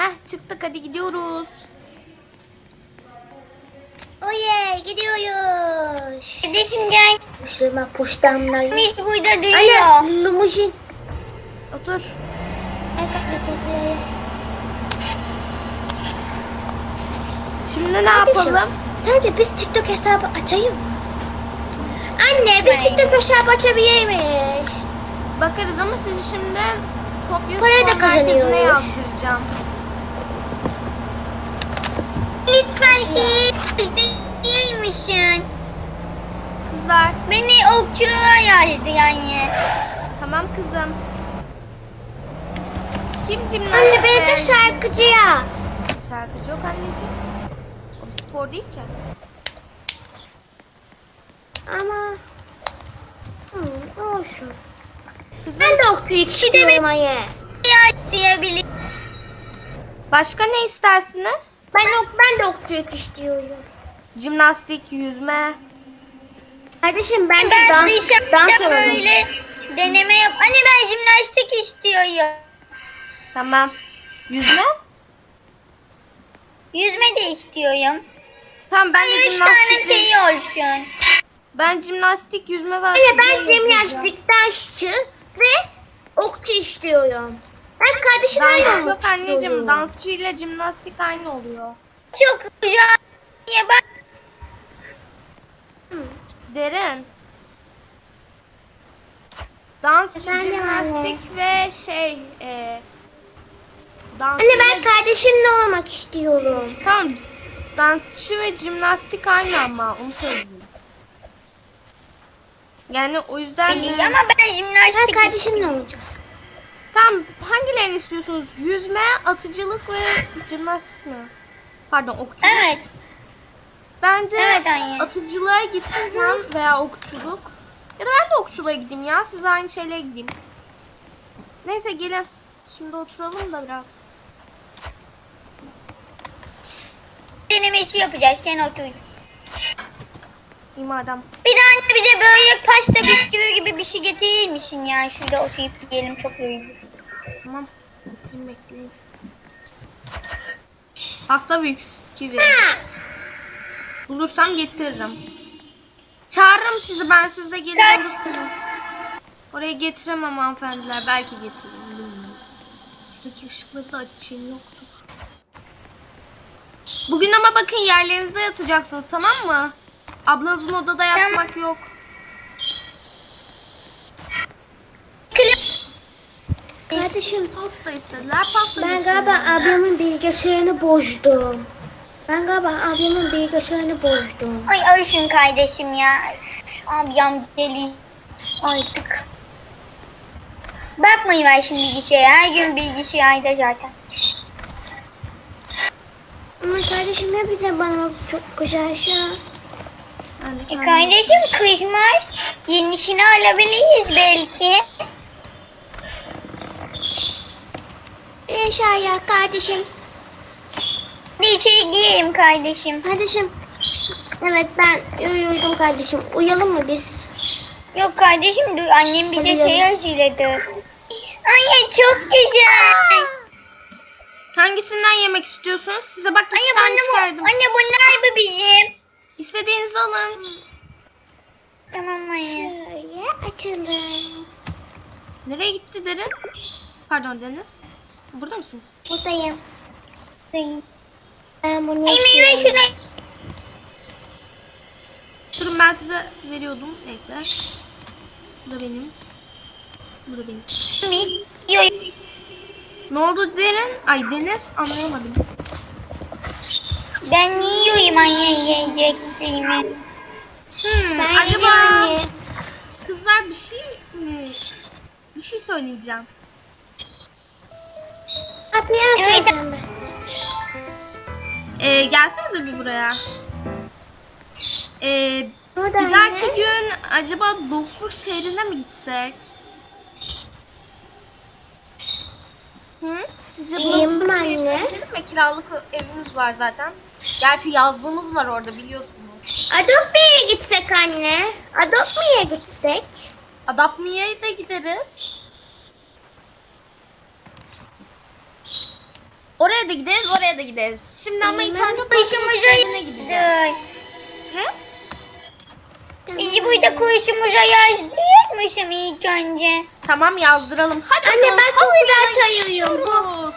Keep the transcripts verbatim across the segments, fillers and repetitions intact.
Heh, çıktık, hadi gidiyoruz. Oye gidiyoruz. Kardeşim gel. Üstüme poştamlar. Biz burada duyuyor. Anne limuzin. Otur. Şimdi ne yapalım? Sence biz TikTok hesabı açayım mı? Anne biz Hayır. TikTok hesabı açabilir miyiz? Bakarız ama sizi şimdi Topya Para da Spor Merkezi'ne kazanıyoruz. yazdıracağım. Lütfen siz değilmişsin. Kızlar, Beni okçuluğa yazdı yani. tamam kızım. Kim cimnastik? Anne beni de beğendi? şarkıcıya. Şarkıcı yok anneciğim. O bir spor değil ki. Ama hı, olsun. Kızım, Ben de okçuluk istiyorum anne. Ya diyebilir. başka ne istersiniz? Ben ok ben de okçuluk istiyorum. Jimnastik, yüzme. Kardeşim ben de Ben dans dışarıda dans olalım. böyle deneme yap. Anne ben jimnastik istiyorum. Tamam. Yüzme? Yüzme de istiyorum. Tamam, ben de Üç tane jimnastik. şey olsun. Ben jimnastik, yüzme ve Anne ben atletizm yapacağım. jimnastik, dansçı ve okçu istiyorum. Ben kardeşimle Dans oynamak yok anneciğim. istiyorum. Dansçı ile jimnastik aynı oluyor. Çok güzel. Ya bak. Derin. Dansçı, Efendim jimnastik ve şey e, dansçı Anne ben ve- kardeşimle olmak istiyorum. Tamam. Dansçı ve jimnastik aynı ama onu söyleyeyim. Yani o yüzden Beni, e, ama ben Ben jimnastik kardeşimle olacağım. tamam, hangilerini istiyorsunuz? Yüzme, atıcılık ve jimnastik mi? Pardon, okçuluk. Evet. Bence Evet anne. atıcılığa gitmem veya okçuluk. Ya da ben de okçuluğa gideyim ya. Siz aynı şeyle gideyim. Neyse gelin. Şimdi oturalım da biraz. Denemesi yapacağız. Sen otur. İyi madem. Bir de anne bize böyle pasta bisküvi gibi bir şey getirir misin ya? Şurada oturup yiyelim, çok yorucu. Tamam. Getireyim, bekleyin. Pasta büyük kivi. Bulursam getiririm. Çağırırım sizi, ben, siz de gelin Sen- alırsınız. Oraya getiremem hanımefendiler. Belki getiririm. Bilmiyorum. Şuradaki ışıkları da açayım, yoktu. Bugün ama bakın, yerlerinizde yatacaksınız, tamam mı? Ablanızın odada yatmak yok. Kardeşim Pasta istediler. Pasta ben getiriyorum. galiba ablamın bilgisayarını bozdum. Ben galiba ablamın bilgisayarını bozdum. Ay ölsün kardeşim ya. Ablam gelir artık. Bakmayın ver şimdi bilgisayara. Her gün bilgisayarda zaten. Ama kardeşim hep de bana çok güzel şey. Ben de E kendim- kardeşim kızmaz. Yenisini alabiliriz belki. İnşallah kardeşim. Hadi içeri gireyim kardeşim. Kardeşim. Evet ben uyudum kardeşim. Uyuyalım mı biz? Yok kardeşim dur, annem bize Hadi şey canım. hazırladı. Ay çok güzel. Hangisinden yemek istiyorsunuz? Size bak, iki Anne, tane anne, bu, çıkardım. anne bunlar mı bizim? İstediğinizi alın. Tamam anne. Şöyle açalım. Nereye gitti Derin? Pardon Deniz. Burada mısınız? Buradayım. Ay Ben bunu meyve istiyorum. şuna. Durun, ben size veriyordum. Neyse. Bu da benim. Bu da benim. Yiyorum. Ne oldu Derin? Ay Deniz, anlayamadım. Ben yiyorum anne yiyeceklerimi. Hmm, Ben acaba yedim anne. kızlar bir şey mi? Bir şey söyleyeceğim. Kapıyı Evet. açacağım ben. Ee, gelsenize bir buraya. Ee, Burada bir dahaki anne. gün acaba Bloxburg şehrine mi gitsek? Hı? Sizce İyiyim Bloxburg anne. şehrine gidelim mi? Kiralık evimiz var zaten. Gerçi yazlığımız var orada, biliyorsunuz. Adopmi'ye gitsek anne. Adopmi'ye gitsek. Adapmiye'ye de gideriz. Oraya da gideriz, oraya da gideriz. Şimdi ama ilk önce Kuşumuza şehrine gideceğiz. yazdık. He? Biz burada kuşumuza yazdırmışım ilk önce. Tamam yazdıralım. Hadi Anne bakalım, ben çok hazırlanın, güzel çayıyorum. Bu. gidiyoruz.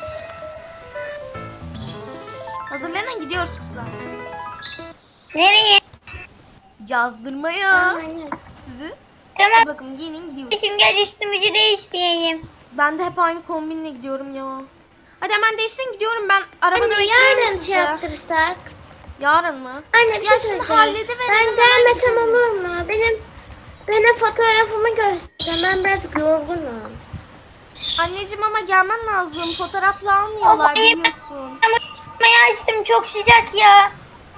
Hazırlanın gidiyoruz kızlar. Nereye? Yazdırmaya. Anne. Sizi. Tamam. Hadi bakalım giyinin gidiyoruz. Şimdi gel üstümüzü değiştireyim. Ben de hep aynı kombinle gidiyorum ya. Hadi hemen değişsin gidiyorum ben. Arabada Anne bekliyorum yarın sizi. şey yaptırırsak. Yarın mı? Anne bir Ya şey şimdi söyleyeceğim. hallediverelim, Ben hemen gelmesem gideriz. olur mu? Benim benim fotoğrafımı göstereceğim. Ben biraz yorgunum. Anneciğim ama gelmen lazım. Fotoğrafla almıyorlar Of, iyi. biliyorsun. Ama açtım çok sıcak ya.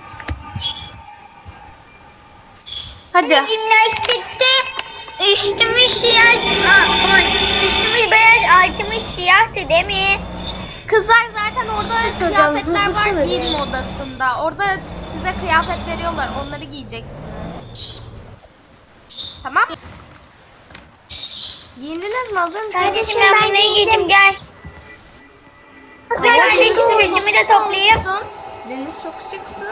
Hadi. Jimnastikte üstümüz siyah, aa, aman, üstümüz beyaz, altımız siyahtı değil mi? Kızlar zaten orada Kızlar, kıyafetler hızlı var söyle. giyinme odasında. Orada size kıyafet veriyorlar. Onları giyeceksiniz. Tamam. Giyindiniz mi? Hazır mısınız? Kardeşim ben ben bunları giydim. giydim gel. Ben kardeşim saçımı da toplayayım. Olsun. Deniz çok şıksın.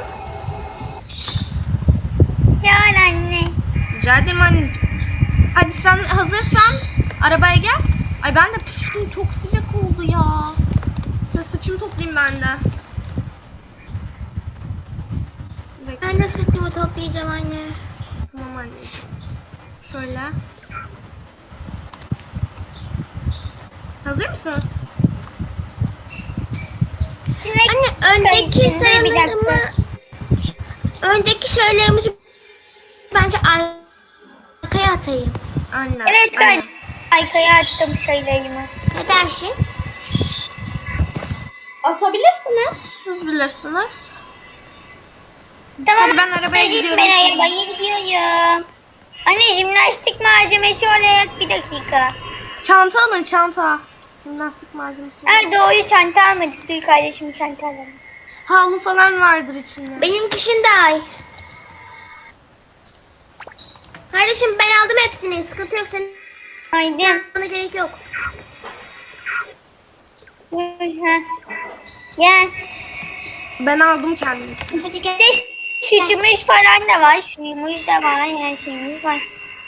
Sağ ol anne. Rica ederim anneciğim. Hadi sen hazırsan arabaya gel. Ay ben de piştim. Çok sıcak oldu ya. Şöyle saçımı toplayayım ben de. Bekle. Ben de saçımı toplayacağım anne. Tamam anneciğim. Şöyle. Hazır mısınız? Şimdi Anne öndeki Kardeşim, dur bir sayılarımı dakika. öndeki şeylerimizi bence arkaya atayım. Aynen. Evet ben aynen. arkaya attım şeylerimi. Ne dersin? Atabilirsiniz. Siz bilirsiniz. Tamam. Hadi ben arabaya Hadi gidiyorum. Ben arabaya gidiyorum. Anne jimnastik malzemesi olarak bir dakika. Çanta alın çanta. Jimnastik malzemesi. Ha doğru çanta almadık. Dur kardeşim çanta alalım. Havlu falan vardır içinde. Benim şimdi ay. Kardeşim ben aldım hepsini. Sıkıntı yok senin. Haydi. Bana gerek yok. Hı. Gel. Ben aldım kendimi. Hadi gel. Bir de sütümüz falan da var. Suyumuz da var. Her şeyimiz var.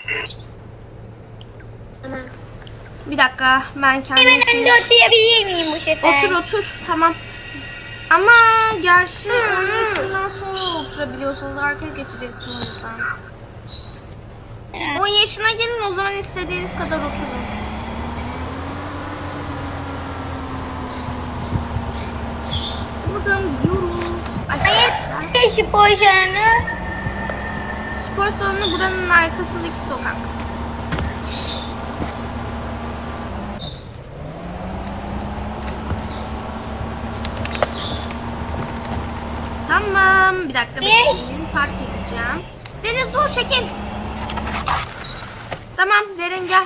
Tamam. Bir dakika ben kendim. Hemen önde oturabilir miyim bu sefer? Otur otur tamam. Ama gerçi on yaşından sonra oturabiliyorsunuz. Arkaya geçeceksiniz o yüzden. on yaşına gelin o zaman istediğiniz kadar oturun. Hadi bakalım gidiyoruz. Ay, Hayır. Gel şu poğaçanı. spor salonu buranın arkasındaki sokak. Tamam. Bir dakika bekleyin. Park edeceğim. Deniz dur çekil. Tamam Derin gel.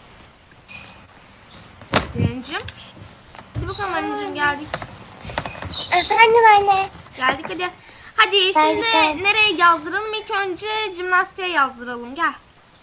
Derincim. Hadi bakalım anneciğim geldik. Efendim anne. Geldik hadi. Hadi şimdi Geldik. nereye yazdıralım? İlk önce jimnastiğe yazdıralım. Gel.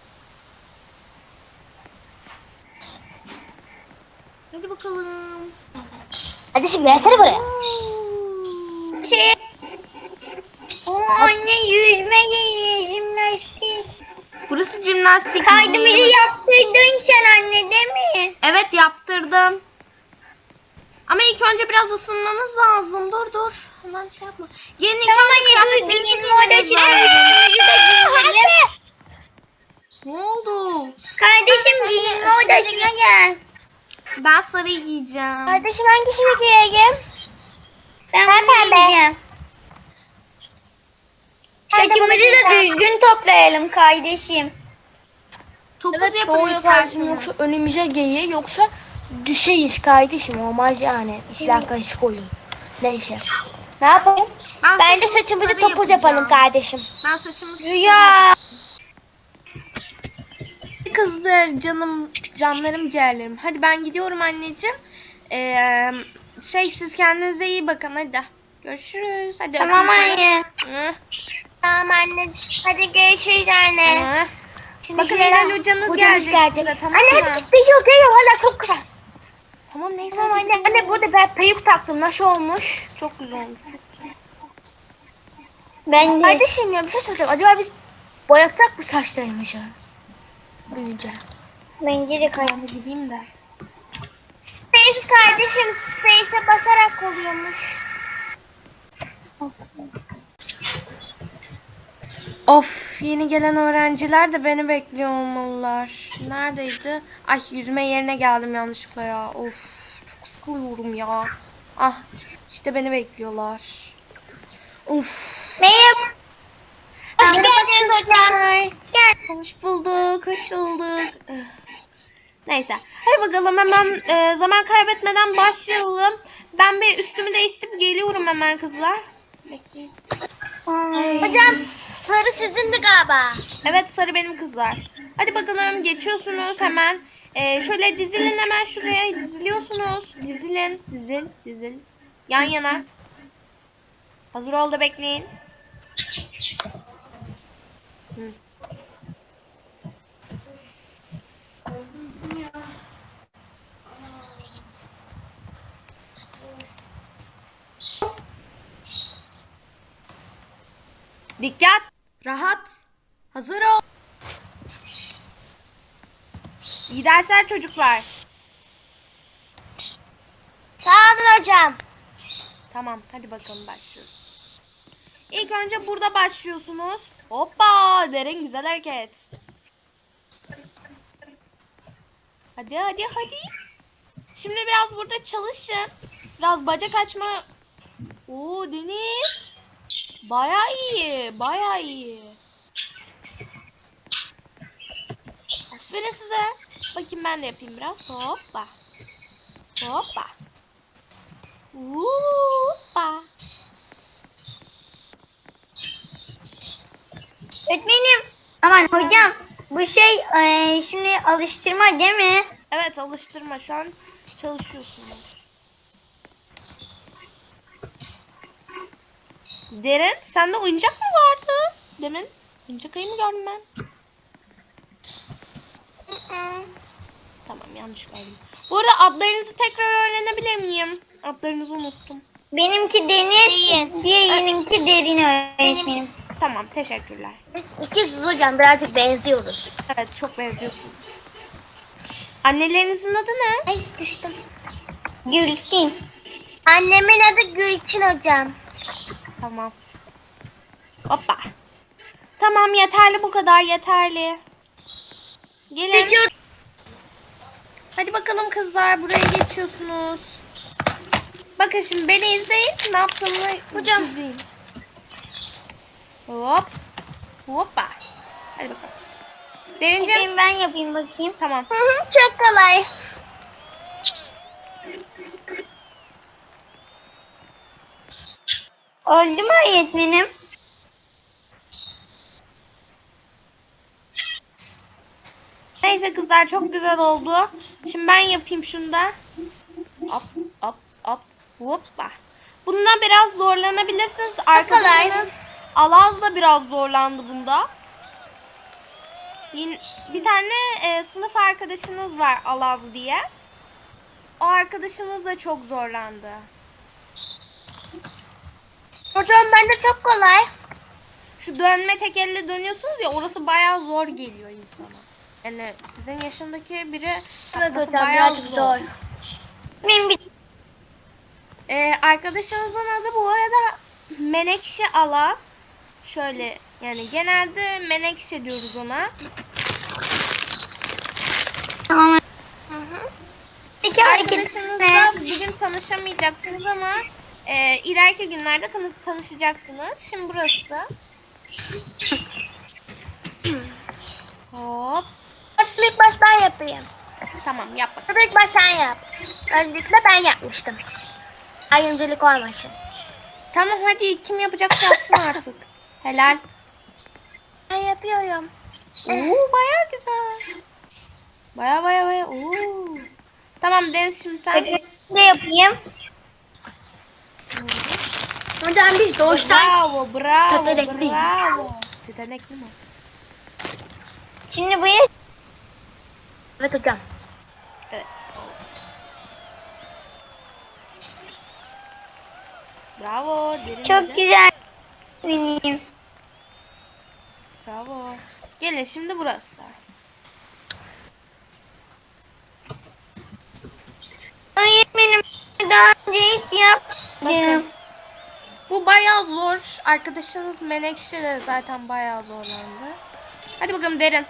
Hadi bakalım. Hadi şimdi versene buraya. Şey. Oo, anne yüzme yeri, jimnastik. Burası jimnastik. Kaydımızı yaptırdın sen anne değil mi? Evet yaptırdım. Ama ilk önce biraz ısınmanız lazım. Dur dur. Hemen şey yapma. Yeni ilk Tamam önce anne dur kıyafetlerinizi giyinme giymeniz odasına lazım. yüzümüzü de giyinelim. Ne oldu? Kardeşim giyinme odasına gel. Ben sarıyı giyeceğim. Kardeşim hangisini giyeyim? Ben Ben bunu pembe. giyeceğim. Ben de bunu Saçımızı da giyeceğim. düzgün toplayalım kardeşim. Topuz yapılıyor Yaparsın yoksa önümüze gelir yoksa düşeyiz kardeşim olmaz yani işler karışık olur. Neyse. Ne yapalım? Ben Bence saçımı saçımızı sarı topuz yapacağım. yapalım kardeşim. Ben saçımı Rüya. Kızlar canım canlarım ciğerlerim. Hadi ben gidiyorum anneciğim. Ee, şey siz kendinize iyi bakın hadi. Görüşürüz. Hadi Tamam öpeyim anne. seni. Hı, Tamam anne. Hadi görüşürüz anne. hı. Şimdi Bakın Hilal Hilal hocanız hocamız gelecek size, tamam Anne mı? hadi geliyor geliyor hala çok güzel. Tamam neyse. Tamam hadi anne, gidelim. anne burada ben peyuk taktım. Nasıl olmuş? Çok güzel olmuş. Çok güzel. Ben de. Kardeşim ya bir şey soracağım. Acaba biz boyatsak mı saçlarımızı? Büyüyünce. Bence de kay. Ben de gideyim de. Space kardeşim, Space'e basarak oluyormuş. Of, yeni gelen öğrenciler de beni bekliyor olmalılar. Neredeydi? Ay, yüzme yerine geldim yanlışlıkla ya. Of, çok sıkılıyorum ya. Ah, işte beni bekliyorlar. Of. Merhaba. Hoş geldiniz hocam. Ay, Gel. hoş bulduk, hoş bulduk. Eh. Neyse, hadi bakalım hemen e, zaman kaybetmeden başlayalım. Ben bir üstümü değiştirip geliyorum hemen kızlar. Bekleyin. Ay. Hocam sarı sizindi galiba. Evet, sarı benim kızlar. Hadi bakalım, geçiyorsunuz hemen. Ee, şöyle dizilin, hemen şuraya diziliyorsunuz. Dizilin, dizil, dizil. Yan yana. Hazır ol da bekleyin. Hı. Dikkat. Rahat. Hazır ol. İyi dersler çocuklar. Sağ olun hocam. Tamam, hadi bakalım başlıyoruz. İlk önce burada başlıyorsunuz. Hoppa, derin güzel hareket. Hadi hadi hadi. Şimdi biraz burada çalışın. Biraz bacak açma. Oo Deniz. Baya iyi, baya iyi. Aferin size. Bakayım ben de yapayım biraz. Hoppa. Hoppa. Hoppa. Öğretmenim. Aman hocam. Bu şey e, şimdi alıştırma değil mi? Evet, alıştırma. Şu an çalışıyorsunuz. Derin, sende oyuncak mı vardı? Demin oyuncak ayı mı gördüm ben? Tamam, yanlış gördüm. Bu arada adlarınızı tekrar öğrenebilir miyim? Adlarınızı unuttum. Benimki Deniz. Diğerinki Derin öğretmenim. Tamam, teşekkürler. Biz ikiziz hocam, birazcık benziyoruz. Evet, çok benziyorsunuz. Annelerinizin adı ne? Ay düştüm. Gülçin. Annemin adı Gülçin hocam. Tamam. Hoppa. Tamam, yeterli bu kadar, yeterli. Gelin. Hadi bakalım kızlar, buraya geçiyorsunuz. Bakın şimdi beni izleyin. Ne yaptığımı Hocam. izleyin. Hop. Hoppa. Hadi bakalım. Derincim. Öğretmenim ben yapayım bakayım. Tamam. Hı hı, çok kolay. Oldu mu öğretmenim? Neyse kızlar, çok güzel oldu. Şimdi ben yapayım şunu da. Hop hop hop. Hoppa. Bunda biraz zorlanabilirsiniz. Arkadaşınız Alaz da biraz zorlandı bunda. Yine bir tane e, sınıf arkadaşınız var, Alaz diye. O arkadaşınız da çok zorlandı. Hocam bende çok kolay. Şu dönme tek elle dönüyorsunuz ya, orası bayağı zor geliyor insana. Yani sizin yaşındaki biri Evet yapması hocam, bayağı birazcık zor. zor. Benim bir Ee, arkadaşınızın adı bu arada Menekşe Alaz. Şöyle, yani genelde Menekşe diyoruz ona. tamam. İki hareket. Arkadaşınızla bugün tanışamayacaksınız ama e, ileriki günlerde tanı- tanışacaksınız. Şimdi burası. Hop. Hadi ilk baş ben yapayım. Tamam, yap bakalım. Hadi ilk baş sen yap. Öncelikle ben yapmıştım. Ayrımcılık olmasın. Tamam, hadi kim yapacaksa yapsın artık. Helal. Ben yapıyorum. Oo, baya güzel. Baya baya baya. Oo. Tamam Deniz, şimdi sen. Ne yapayım? Hocam biz doğuştan Bravo, bravo, Tetenekliyiz. bravo. Tetenekli mi? Şimdi bu yaş Evet hocam. Evet. Bravo. Derin Çok dedi. güzel benim. Bravo. Gelin şimdi burası. Öğretmenim daha önce hiç yapmadım. Bakın. Bu bayağı zor. Arkadaşınız Menekşe de zaten bayağı zorlandı. Hadi bakalım Derin.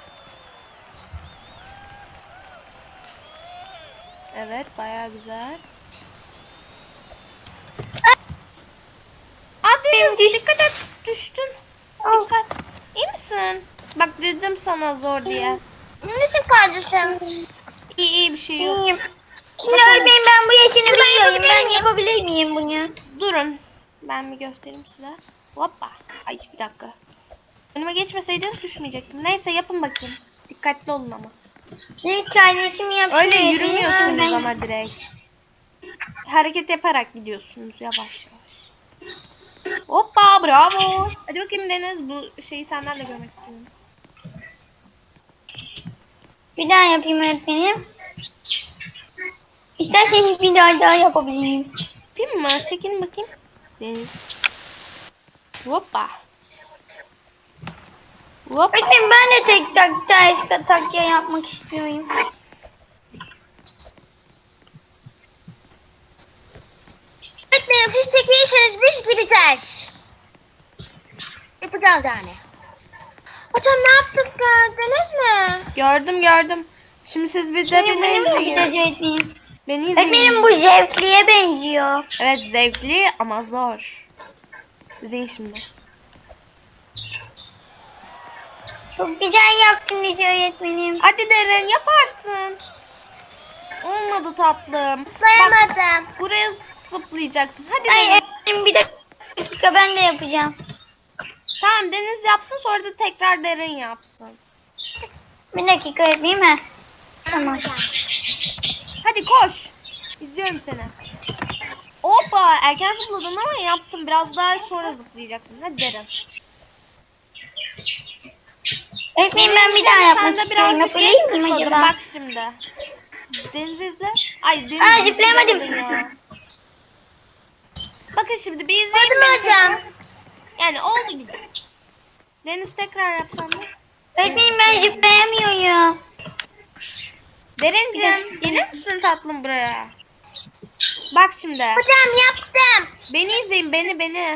Evet, bayağı güzel. Aa Deniz, Düş- dikkat et. Düştün. Oh. Dikkat. İyi misin? Bak dedim sana zor diye. Nasıl kardeşim? İyi iyi bir şey yok. İyiyim. Şimdi öğretmenim ben bu yaşını biliyorum. Ben yapabilir miyim bunu? Durun. Ben bir göstereyim size. Hoppa. Ay bir dakika. Önüme geçmeseydiniz düşmeyecektim. Neyse yapın bakayım. Dikkatli olun ama. Benim kardeşim yapıyor. Öyle yürümüyorsunuz Ben- ama direkt. Hareket yaparak gidiyorsunuz yavaş yavaş. Hoppa bravo. Hadi bakayım Deniz, bu şeyi senden de görmek istiyorum. Bir daha yapayım öğretmenim. İsterseniz bir daha daha yapabilirim. Yapayım mı? Çekin bakayım. Deniz. Hoppa. Hoppa. Öğretmenim ben de tek tak ters takya yapmak istiyorum. Öğretmenim siz çekilirseniz biz gideceğiz. Yapacağız yani. Hocam ne yaptık, gördünüz mü? Gördüm gördüm. Şimdi siz bir de Şimdi beni bunu mu izleyin. gideceğiz öğretmenim? Beni izleyin. Öğretmenim bu zevkliye benziyor. Evet, zevkli ama zor. İzleyin şimdi. Çok güzel yaptınız öğretmenim. Hadi Derin, yaparsın. Olmadı tatlım. Zıplayamadım. Buraya zıplayacaksın. Hadi Ay Deniz. öğretmenim bir dakika ben de yapacağım. Tamam, Deniz yapsın, sonra da tekrar Derin yapsın. Bir dakika öğretmenim ha. Tamam. Hadi koş. İzliyorum seni. Hoppa, erken zıpladın ama yaptım. Biraz daha sonra zıplayacaksın. Hadi Derin. Öğretmenim ben bir daha Sen yapmak de istiyorum. birazcık geç Yapabilir miyim zıpladın. acaba? Bak şimdi. Deniz izle. Ay Deniz. Aa, nasıl zıplayamadım. yapmadın ya? Bakın şimdi bir izleyin. Hadi beni. hocam. Yani oldu gibi. Deniz tekrar yapsan da. Öğretmenim ben zıplayamıyorum. Derincim, gelir misin tatlım buraya? Bak şimdi. Hocam yaptım. Beni izleyin, beni beni.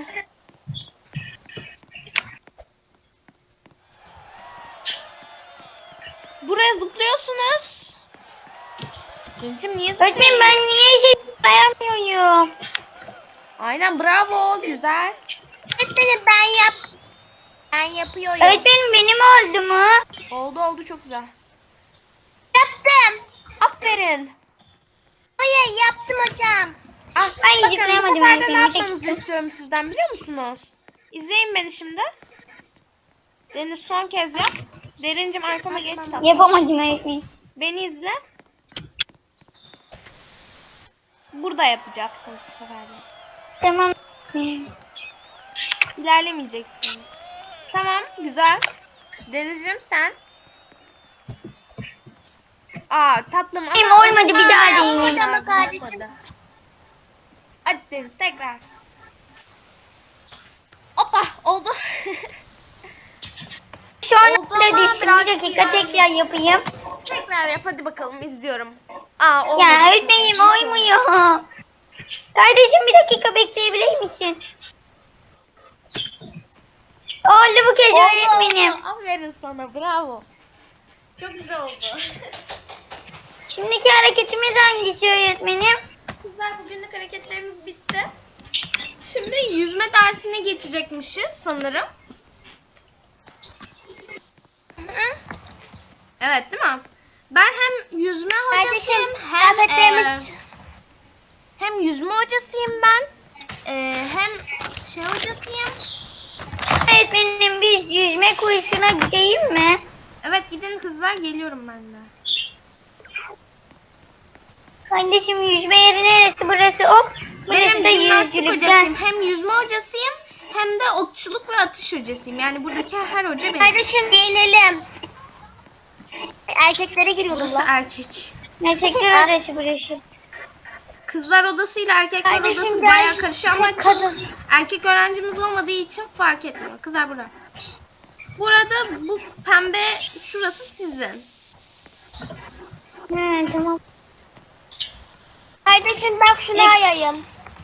Buraya zıplıyorsunuz. Derincim niye zıplıyorsun? Öğretmenim ben niye şey zıplayamıyorum? Aynen, bravo, güzel. Öğretmenim ben yap. Ben yapıyorum. Öğretmenim benim oldu mu? Oldu oldu, çok güzel. Yaptım. Aferin. Hayır yaptım hocam. Ah, Ay, bakın bu zıplayamadım sefer de ben ne seni. yapmanızı istiyorum sizden, biliyor musunuz? İzleyin beni şimdi. Deniz son kez yap. Derincim arkama geç tatlım. Yapamadım öğretmenim. Beni izle. Burada yapacaksınız bu sefer de. Tamam. İlerlemeyeceksin. Tamam, güzel. Denizciğim sen. Aa tatlım ama... Benim olmadı, bir daha deneyeyim. Olmadı, olmadı. Hadi Deniz tekrar. Hoppa oldu. Şu an Oldu da ama düştüm. Bir biraz dakika yani. tekrar yapayım. Tekrar yap hadi bakalım, izliyorum. Aa olmadı. Ya öğretmenim oymuyor. Kardeşim bir dakika bekleyebilir misin? Oldu bu kez Oldu, öğretmenim. oldu. Aferin sana, bravo. Çok güzel oldu. Şimdiki hareketimiz hangisi öğretmenim? Kızlar, bugünlük hareketlerimiz bitti. Şimdi yüzme dersine geçecekmişiz sanırım. Evet değil mi? Ben hem yüzme hocasıyım Kardeşim hem kıyafetlerimiz. e, hem yüzme hocasıyım ben. E, hem şey hocasıyım. Öğretmenim biz yüzme kursuna gideyim mi? Evet gidin kızlar, geliyorum ben de. Kardeşim yüzme yeri neresi burası? Hop. Burası Benim da jimnastik yüzgülükten. hocasıyım. Hem yüzme hocasıyım hem de okçuluk ve atış hocasıyım. Yani buradaki her hoca benim. Kardeşim giyinelim. Erkeklere giriyoruz Burası lan. erkek. Erkekler odası burası. kızlar odasıyla erkekler Kardeşim odası gel. bayağı karışıyor ama Tek kadın. erkek öğrencimiz olmadığı için fark etmiyor. Kızlar burada. Burada bu pembe şurası sizin. He tamam. Kardeşim bak şunu ayayım.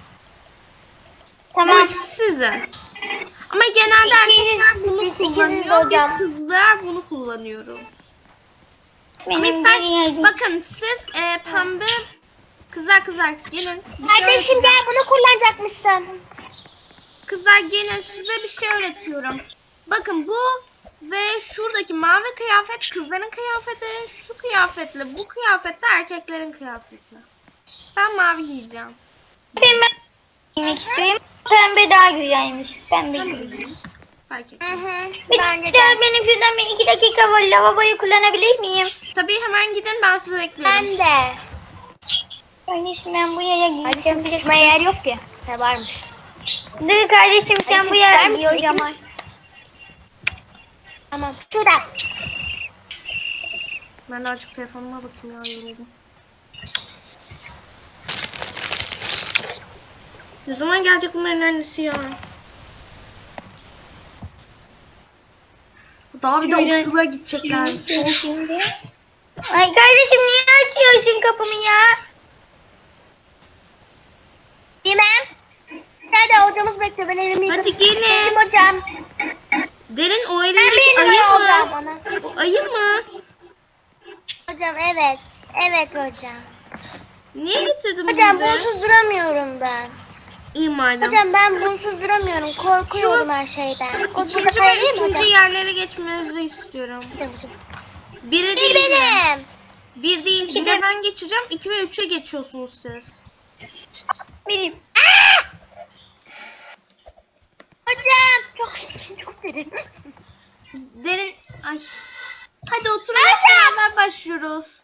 Tamam. Bu sizin. Ama genelde İkiniz- erkekler bunu biz ikiniz kullanıyor. Biz hocam. kızlar bunu kullanıyoruz. Ama Benim ister, geri bakın siz e, pembe kızlar kızlar gelin. Bir şey Kardeşim öğreteceğim. gel bunu kullanacakmışsın. Kızlar gelin size bir şey öğretiyorum. Bakın bu ve şuradaki mavi kıyafet kızların kıyafeti, şu kıyafetle bu kıyafetle erkeklerin kıyafeti. Ben mavi giyeceğim. Pembe giymek istiyorum. Pembe daha güzelmiş. Pembe giyeyim. Fark et. Hı hı. Bir Bence de de. benim şuradan bir iki dakika var. Lavaboyu kullanabilir miyim? Tabii hemen gidin ben sizi bekliyorum. Ben de. Kardeşim ben bu yaya Kardeşim giyeceğim. sıçmaya yer yok ki. Ne varmış? Dur kardeşim sen Kardeşim bu yaya ister giy o misin? zaman. Tamam. Şurada. Ben de açık telefonuma bakayım ya yoruldum. Ne zaman gelecek bunların annesi ya? Daha bir de Yürü. okula gidecekler. Sen şimdi. Ay kardeşim niye açıyorsun kapımı ya? Bilmem. Nerede hocamız bekliyor. Ben elimi yıkadım. Hadi gelin. Geldim hocam. Derin o Ben elindeki bir ayı numara olacağım mı? ona. O ayı mı? Hocam evet. Evet hocam. Niye getirdin Hocam bizi? bunsuz duramıyorum ben. İyi madem. Hocam ben bunsuz duramıyorum. Korkuyorum her şeyden. O burada İkinci ve kayayım mı üçüncü hocam? yerlere geçmenizi istiyorum. Hocam, Biri Bir değil. mi? benim. Bir değil. Bir de ben geçeceğim. İki ve üçe geçiyorsunuz siz. Benim. Hocam. Çok çok derin. Derin. Ay. Hadi oturun. Hocam. Beraber başlıyoruz.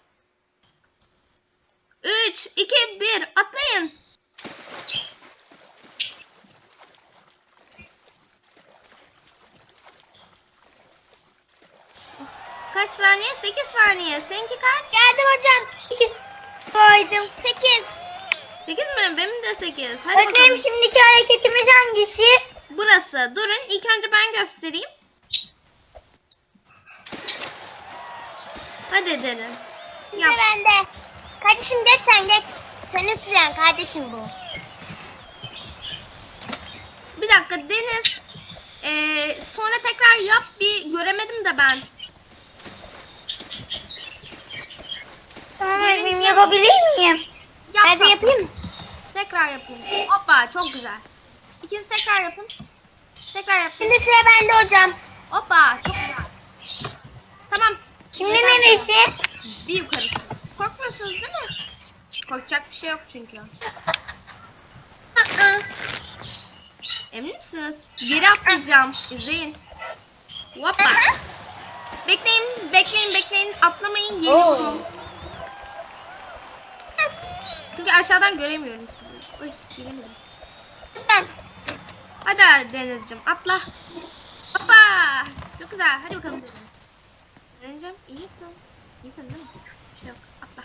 Üç, iki, bir. Atlayın. Kaç saniye? Sekiz saniye. Seninki kaç? Geldim hocam. İki. Koydum. Sekiz. Sekiz mi? Benim de sekiz. Hadi Öğretmenim bakalım. şimdiki hareketimiz hangisi? Burası. Durun. İlk önce ben göstereyim. Hadi Derin. Şimdi Yap. bende. Kardeşim geç sen geç. Senin süren kardeşim bu. Bir dakika Deniz. Ee, sonra tekrar yap. Bir göremedim de ben. Tamam öğretmenim yapabilir miyim? Yap. Ben de bak. yapayım. Tekrar yapayım. Hoppa çok güzel. İkiniz tekrar yapın. Tekrar yapın. Şimdi sıra bende hocam. Hoppa çok güzel. Tamam. Şimdi Yeter. neresi? Bir yukarısı. Korkmuyorsunuz değil mi? Korkacak bir şey yok çünkü. Emin misiniz? Geri atlayacağım. İzleyin. Hoppa. Bekleyin, bekleyin, bekleyin. Atlamayın. Geliyorum. Çünkü aşağıdan göremiyorum sizi. Uy, gelemedim. Hadi Denizciğim atla. Hoppa. Çok güzel. Hadi bakalım Deniz. Denizciğim iyisin. İyisin değil mi? Bir şey yok. Atla.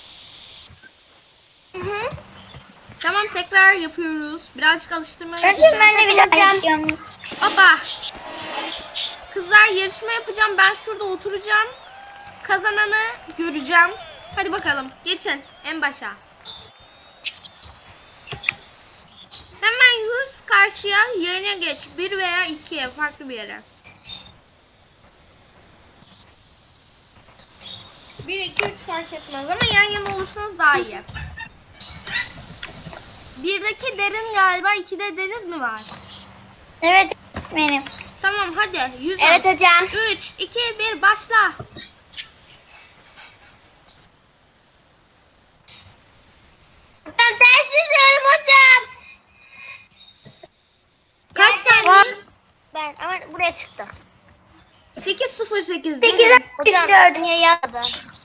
Tamam tekrar yapıyoruz. Birazcık alıştırma Öğretmenim yapacağım. ben de bir daha yapacağım. Hoppa. Kızlar yarışma yapacağım. Ben şurada oturacağım. Kazananı göreceğim. Hadi bakalım. Geçin en başa. Hemen yüz karşıya yerine geç. Bir veya ikiye farklı bir yere. Bir, iki, üç fark etmez ama yan yana olursanız daha iyi. Birdeki Derin galiba, ikide Deniz mi var? Evet benim. Tamam hadi. Yüz Evet hocam. üç, iki, bir başla. Ben ters yüzüyorum hocam. Kaç Nereden? saniye? Ben ama buraya çıktım. sekiz sıfır sekiz. Sekiz Derin. Hocam altmış dört. niye yazdı?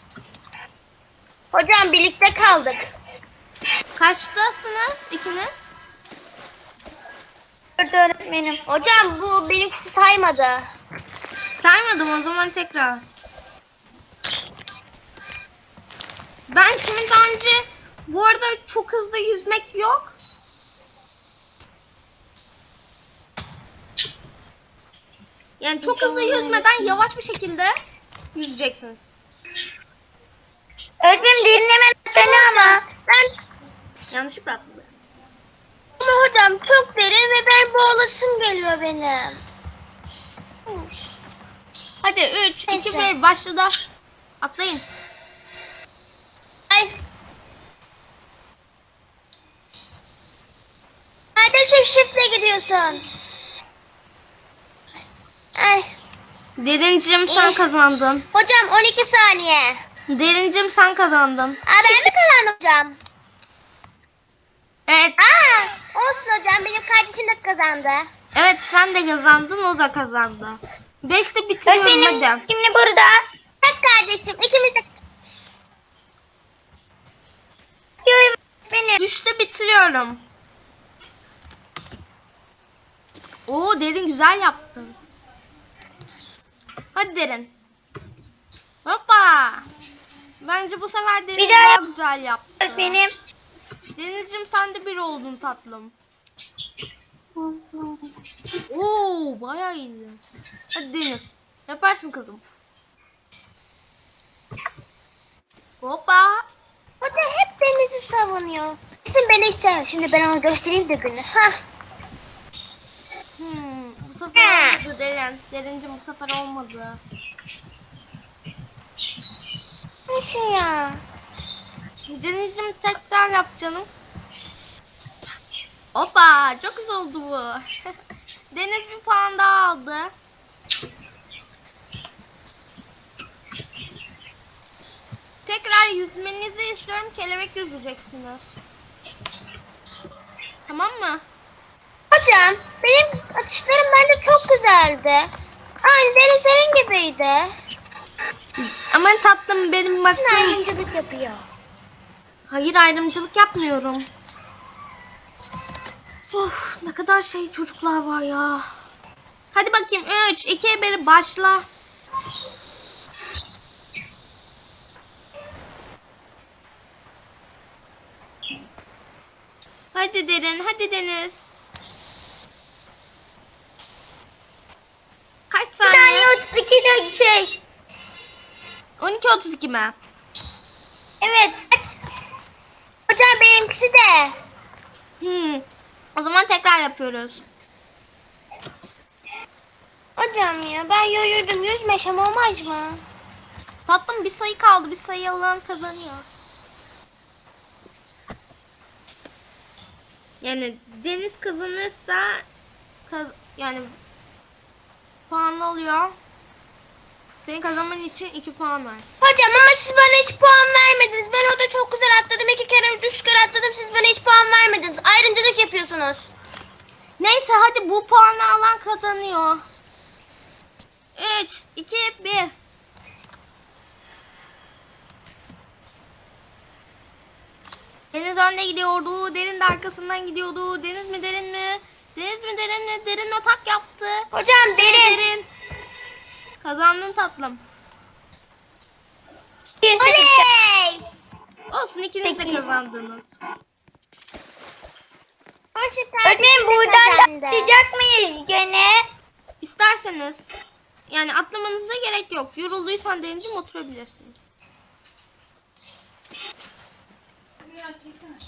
Hocam birlikte kaldık. Kaçtasınız ikiniz? Dört öğretmenim. Hocam bu benimkisi saymadı. Saymadım o zaman tekrar. Ben kimin daha önce Bu arada çok hızlı yüzmek yok. Yani çok hızlı yüzmeden yavaş bir şekilde yüzeceksiniz. Öğretmenim derin hemen atladı ama. Ben Yanlışlıkla atladı. Ama hocam çok derin ve ben boğulasım geliyor benim. Hadi üç, iki, Neyse. bir başladı. Atlayın. Ay. Kardeşim şifre gidiyorsun. Ay. Derincim sen kazandın. Hocam on iki saniye. Derincim sen kazandın. Aa, ben mi kazandım hocam? Evet. Aa, olsun hocam benim kardeşim de kazandı. Evet sen de kazandın, o da kazandı. Beşte bitiriyorum öğretmenim hadi. şimdi burada. Bak kardeşim ikimiz de. Diyorum öğretmenim. Üçte bitiriyorum. Oo Derin güzel yaptın. Hadi Derin. Hoppa. Bence bu sefer Derin Bir daha daha yap. güzel yaptı. Öğretmenim. Denizciğim sen de bir oldun tatlım. Oo bayağı iyi. Hadi Deniz. Yaparsın kızım. Hoppa. Hoca hep Deniz'i savunuyor. Kesin beni ister. Şimdi ben ona göstereyim de günü. Hah. Hmm, bu sefer olmadı Derin. Derincim bu sefer olmadı. Ne şu ya? Denizciğim tekrar yap canım. Hoppa çok güzel oldu bu. Deniz bir puan daha aldı. Tekrar yüzmenizi istiyorum. Kelebek yüzeceksiniz. Tamam mı? Hocam benim atışlarım bence çok güzeldi. Aynı Denizlerin gibiydi. Aman tatlım benim Sizin baktığım... ayrımcılık yapıyor. Hayır ayrımcılık yapmıyorum. Of ne kadar şey çocuklar var ya. Hadi bakayım üç, iki, bir başla. Hadi Derin, hadi Deniz. Kaç Bir saniye? saniye otuz iki de şey. on iki otuz iki mi? Evet. Hocam benimkisi de. Hmm. O zaman tekrar yapıyoruz. Hocam ya ben yoruldum yüzmeşem olmaz mı? Tatlım bir sayı kaldı. Bir sayı alan kazanıyor. Yani Deniz kazanırsa kaz yani puan alıyor. Senin kazanman için iki puan var. Hocam ama siz bana hiç puan vermediniz. Ben orada çok güzel atladım. İki kere, üç kere atladım. Siz bana hiç puan vermediniz. Ayrımcılık yapıyorsunuz. Neyse hadi bu puanı alan kazanıyor. üç, iki, bir. Deniz önde gidiyordu. Derin de arkasından gidiyordu. Deniz mi derin mi? Deniz mi derin mi? Derin atak yaptı. Hocam derin. Derin. Kazandın tatlım. Oley! Olsun ikiniz de kazandınız. Hoşçakal. Öğretmenim buradan da atlayacak mıyız gene? İsterseniz yani atlamanıza gerek yok. Yorulduysan Deniz'im oturabilirsin.